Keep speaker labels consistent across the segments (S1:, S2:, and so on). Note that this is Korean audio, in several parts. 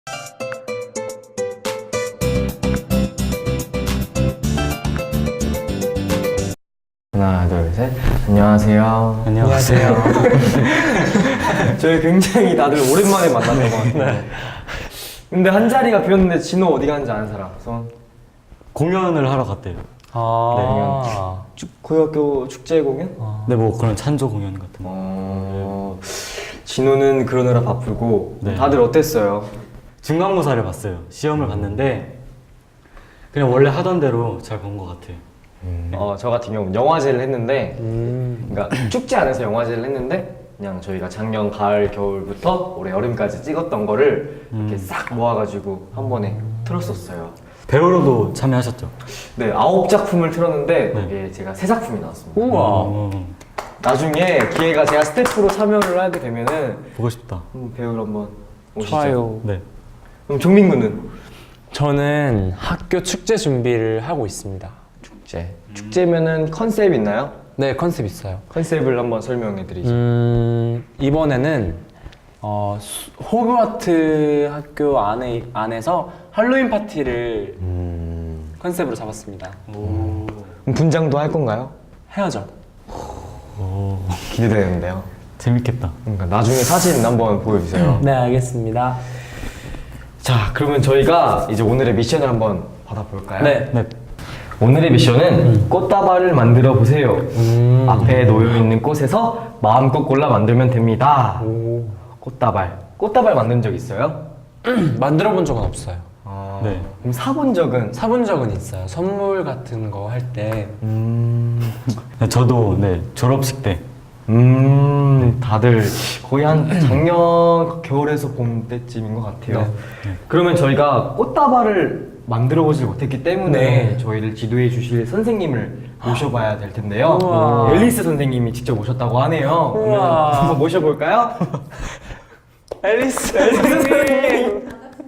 S1: 하나, 둘, 셋. 안녕하세요.
S2: 안녕하세요.
S1: 저희 굉장히 다들 오랜만에 만났던 것 같아요. 네. 근데 한 자리가 비었는데 진호 어디 갔는지 아는 사람? 손.
S3: 공연을 하러 갔대요.
S1: 고등학교 축제 공연?
S3: 네, 뭐 그런 찬조 공연 같은 거.
S1: 진호는 그러느라 바쁘고.
S3: 네.
S1: 다들 어땠어요?
S3: 중간고사를 봤어요. 시험을 봤는데 그냥 원래 하던 대로 잘 본 것 같아요.
S1: 저 같은 경우는 영화제를 했는데, 그러니까 축제 안에서 영화제를 했는데, 그냥 저희가 작년 가을, 겨울부터 올해 여름까지 찍었던 거를 이렇게 싹 모아가지고 한 번에 틀었었어요.
S3: 배우로도 참여하셨죠?
S1: 네, 9작품을 틀었는데,
S3: 네.
S1: 거기에 제가 3작품이 나왔습니다.
S3: 우와.
S1: 나중에 기회가 제가 스태프로 참여를 하게 되면은,
S3: 보고 싶다.
S1: 배우로 한번 오시죠.
S2: 좋아요.
S3: 네.
S1: 그럼 종민군은?
S2: 저는 학교 축제 준비를 하고 있습니다.
S1: 축제면은 컨셉 있나요?
S2: 네, 컨셉 있어요.
S1: 컨셉을 한번 설명해 드리죠.
S2: 이번에는 호그와트 학교 안에서 할로윈 파티를 컨셉으로 잡았습니다.
S1: 그럼 분장도 할 건가요?
S2: 헤어져.
S1: 기대되는데요.
S3: 재밌겠다.
S1: 그러니까 나중에 사진 한번 보여주세요.
S2: 네, 알겠습니다.
S1: 자, 그러면 저희가 이제 오늘의 미션을 한번 받아볼까요?
S2: 네.
S1: 오늘의 미션은 꽃다발을 만들어 보세요. 앞에 놓여 있는 꽃에서 마음껏 골라 만들면 됩니다. 꽃다발 만든 적 있어요?
S2: 만들어 본 적은 없어요.
S3: 네.
S1: 그럼 사본 적은?
S2: 사본 적은 있어요. 선물 같은 거 할 때.
S3: 네, 저도 네 졸업식 때.
S1: 다들 거의 한 작년 겨울에서 봄 때쯤인 것 같아요.
S2: 네.
S1: 그러면 저희가 꽃다발을 만들어 보지 못했기 때문에
S2: 네.
S1: 저희를 지도해 주실 선생님을 모셔봐야 될 텐데요.
S2: 우와.
S1: 앨리스 선생님이 직접 오셨다고 하네요. 그러면
S2: 우와.
S1: 한번 모셔볼까요?
S2: 앨리스
S1: 선생님.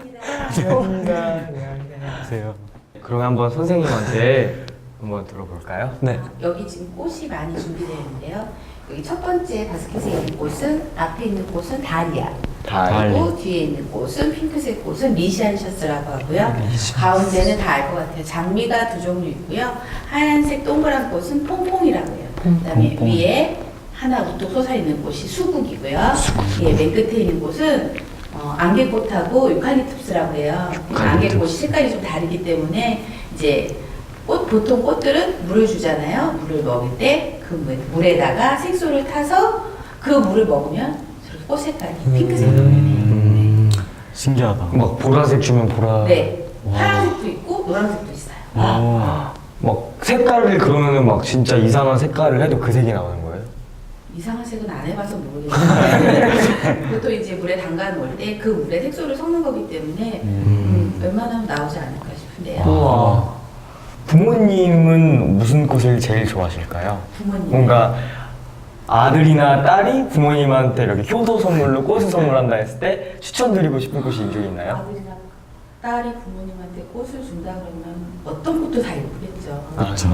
S3: 안녕하세요.
S1: 그러면 한번 선생님한테 한번 들어볼까요?
S2: 네.
S4: 여기 지금 꽃이 많이 준비되어 있는데요. 여기 첫 번째 바스켓에 있는 꽃은, 앞에 있는 꽃은 다리아. 그리고 뒤에 있는 꽃은, 핑크색 꽃은 미시안셔스라고 하고요. 가운데는 다 알 것 같아요. 장미가 2종류 있고요. 하얀색 동그란 꽃은 퐁퐁이라고 해요. 그다음에 위에 하나 우뚝 솟아있는 꽃이 수국이고요. 예, 맨 끝에 있는 꽃은 안개꽃하고 유칼립투스라고 해요. 안개꽃이 색깔이 좀 다르기 때문에 이제 보통 꽃들은 물을 주잖아요. 물을 먹을 때 그 물에다가 색소를 타서 그 물을 먹으면 저렇게 꽃 색깔이 핑크색으로 변해요.
S3: 신기하다.
S1: 막 보라색 주면 보라.
S4: 네, 파란색도 있고 노란색도 있어요.
S1: 막 색깔을 그러면은 막 진짜 이상한 색깔을 해도 그 색이 나오는 거예요?
S4: 이상한 색은 안 해봐서 모르겠는데 보통 이제 물에 담가 놓을 때 그 물에 색소를 섞는 거기 때문에 웬만하면 나오지 않을까 싶은데요.
S1: 우와. 부모님은 무슨 꽃을 제일 좋아하실까요?
S4: 부모님.
S1: 뭔가 아들이나 딸이 부모님한테 이렇게 효도 선물로 꽃을 선물한다 했을 때 추천드리고 싶은 꽃이 이쪽에 있나요?
S4: 아들이나 딸이 부모님한테 꽃을 준다 그러면 어떤 꽃도 다 예쁘겠죠.
S3: 그렇죠.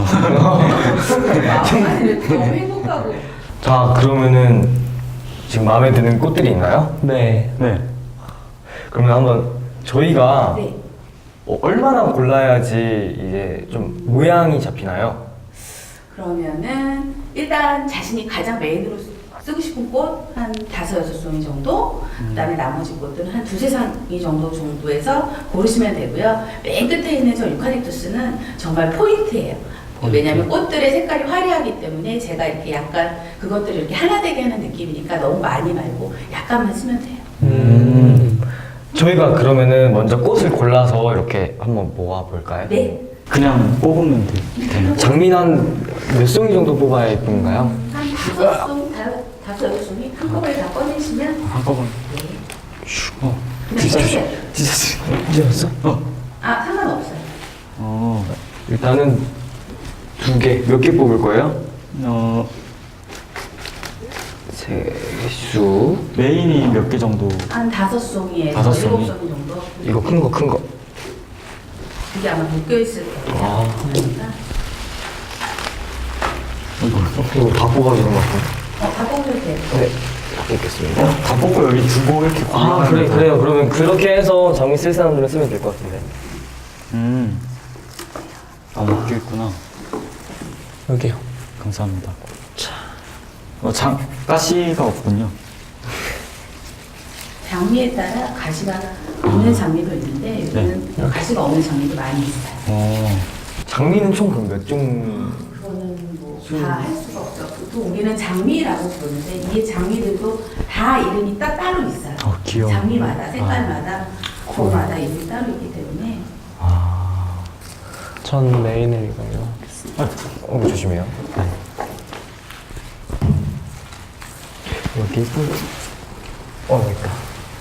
S4: 마음이 너무 행복하고.
S1: 자, 그러면은 지금 마음에 드는 꽃들이 있나요?
S2: 네.
S3: 네.
S1: 그러면 한번 저희가
S4: 네.
S1: 얼마나 골라야지 이제 좀 모양이 잡히나요?
S4: 그러면은 일단 자신이 가장 메인으로 쓰고 싶은 꽃 한 5-6종이 정도, 그다음에 나머지 꽃들은 한 2-3이 정도에서 고르시면 되고요. 맨 끝에 있는 저 유칼립투스는 정말 포인트예요. 왜냐하면 꽃들의 색깔이 화려하기 때문에 제가 이렇게 약간 그것들을 이렇게 하나 되게 하는 느낌이니까 너무 많이 말고 약간만 쓰면 돼요.
S1: 저희가 그러면은 먼저 꽃을 골라서 이렇게 한번 모아 볼까요?
S4: 네.
S3: 그냥 뽑으면 되나요?
S1: 장미 한몇 송이 정도 뽑아야 예쁜가요?
S4: 한 5송, 5-6송이 한꺼번에 다 꺼내시면
S3: 한꺼번에.
S4: 그냥 빼세요.
S1: 진짜였어?
S4: 아, 상관없어요.
S1: 일단은 2개, 몇 개 뽑을 거예요? 세수.
S3: 메인이 몇 개 정도?
S4: 한 5송이에서
S3: 5송이?
S4: 7송이 정도.
S1: 이거 큰 거, 큰 거.
S4: 그게 아마 묶여있을 거예요.
S1: 아.
S4: 그러니까.
S1: 이거 다 뽑아주는 것 같아요.
S4: 다 뽑으면 돼요.
S1: 네. 뽑겠습니다.
S3: 다 뽑고 여기 두고 이렇게
S1: 아, 그래요. 그러면 그렇게 해서 장미 쓸 사람들은 쓰면 될 것 같은데.
S3: 아, 묶여 있구나.
S2: 여기요.
S3: 감사합니다. 가시가 없군요.
S4: 장미에 따라 가시가 있는 장미도 있는데 여기는 가시가 없는 장미도 많이 있어요.
S1: 장미는 총 그럼 몇 종?
S4: 그거는 뭐 다 할 수가 없죠. 보통 우리는 장미라고 부르는데 이 장미들도 다 이름이 따로 있어요.
S3: 귀여워.
S4: 장미마다 색깔마다 고마다 이름이 따로 있기 때문에
S2: 전 메인을 이걸로.
S1: 조심해요. 여기 예쁜. 여기 있다.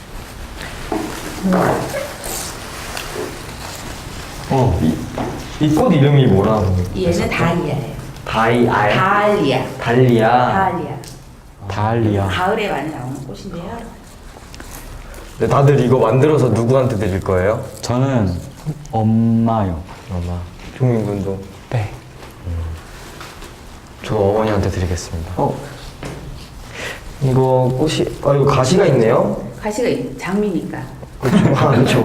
S1: 이 꽃 이름이 뭐라고?
S4: 얘는 다리아예요.
S1: 달리아.
S4: 다리아.
S3: 달리아.
S4: 가을에 많이 나오는 꽃인데요.
S1: 네, 다들 이거 만들어서 누구한테 드릴 거예요?
S3: 저는 엄마요.
S1: 엄마. 종민 군도.
S2: 네.
S1: 저 어머니한테 드리겠습니다. 이거 꽃이, 이거 가시가 있네요?
S4: 가시가 장미니까.
S1: 그렇죠.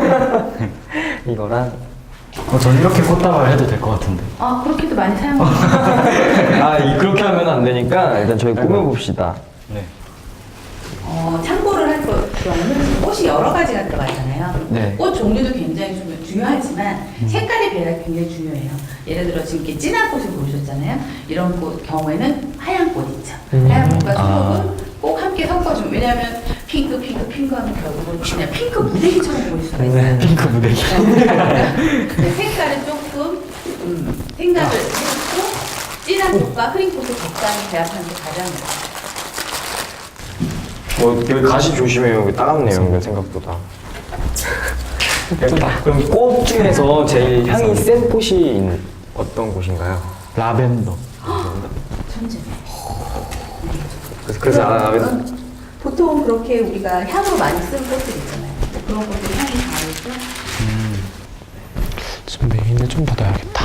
S1: 이거랑.
S3: 전 이렇게 꽃다발 해도 될 것 같은데.
S4: 그렇게도 많이 사용합니다.
S1: 그렇게 하면 안 되니까 일단 저희 꾸며봅시다.
S3: 네.
S4: 참고를 할 경우는 꽃이 여러 가지가 들어가잖아요.
S1: 네.
S4: 꽃 종류도 굉장히 중요하지만 색깔의 배합이 굉장히 중요해요. 예를 들어 지금 이렇게 진한 꽃을 보셨잖아요. 이런 꽃 경우에는 하얀 꽃 있죠. 하얀 꽃과 초록은 꼭 함께 섞어주면 왜냐하면 핑크 하면 결국은 그냥 핑크 무대기처럼 보일 수가 있어요.
S3: 핑크 무대기.
S4: 네, 색깔은 조금 생각을 해주고 진한 꽃과 흐린 꽃을 적당히 배합하는 게 가장
S1: 여기 가시 조심해요. 여기 따갑네요. 이거 생각보다. 그럼 꽃 중에서 제일 향이 센 꽃이 어떤 꽃인가요?
S3: 라벤더.
S4: 천재.
S1: 그래서
S4: 보통 그렇게 우리가 향으로 많이 쓰는 꽃들 있잖아요. 그런 것들이 향이 강하죠.
S2: 지금 메인을 좀 더 넣어야겠다.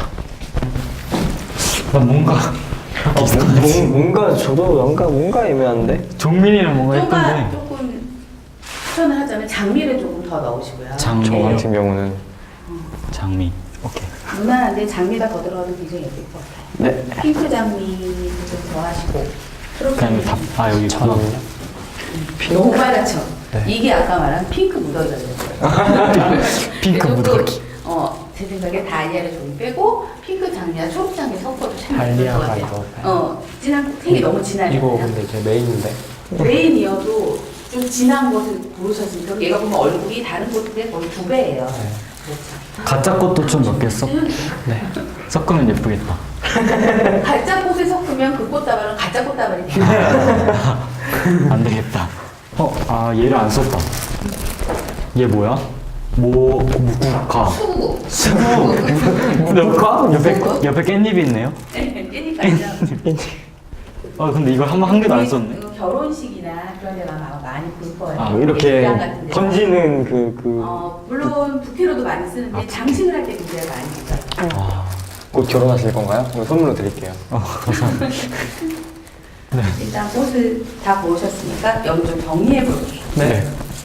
S3: 뭔가
S1: 뭔가 저도 뭔가 애매한데.
S3: 종민이는 뭔가 예쁜데.
S4: 조금 추천을 하자면 장미를 조금 더 넣으시고요.
S1: 저
S3: 장미.
S1: 같은 경우는
S3: 장미. 오케이.
S4: 무난한데 장미가 더 들어가도 굉장히 예쁠 것 같아요.
S1: 네.
S4: 핑크 장미 좀 더하시고 초록
S3: 그냥
S4: 장미
S3: 여기 있구나.
S4: 너무 빨갛죠? 이게 아까 말한 핑크 무더기가 들었어요.
S3: 핑크 무더기.
S4: 제 생각에 다이아를 좀 빼고 핑크 장미와 초록 장미 섞어도 참 예쁠 것
S2: 다이아가
S4: 같아요. 진한 색이 너무 진하잖아요.
S2: 이거 근데 제 메인인데.
S4: 메인이어도 좀 진한 것을 고르셨으니까 얘가 보면 얼굴이 다른 꽃들의 거의 2배예요. 그렇죠.
S3: 가짜 꽃도 좀 몇 개 섞으면 예쁘겠다.
S4: 가짜 꽃을 섞으면 그 꽃다발은 가짜 꽃다발이 돼요.
S3: 안 되겠다. 얘를 안 썼다. 얘 뭐야? 무국화.
S4: 수국.
S3: 무국화? 옆에 깻잎이 있네요.
S4: 깻잎 있죠.
S3: 근데 이걸 한 개도 안 썼네.
S4: 결혼식이나 그런 데 가면 많이 볼 거예요.
S1: 이렇게
S4: 식당 같은 데.
S1: 던지는
S4: 물론 부케로도 많이 쓰는데 장식을 할 때 굉장히 많이 써요.
S1: 곧 결혼하실 건가요? 이거 선물로 드릴게요.
S4: 일단 꽃을 다 고르셨으니까 여기 좀 정리해 볼게요.
S3: 네.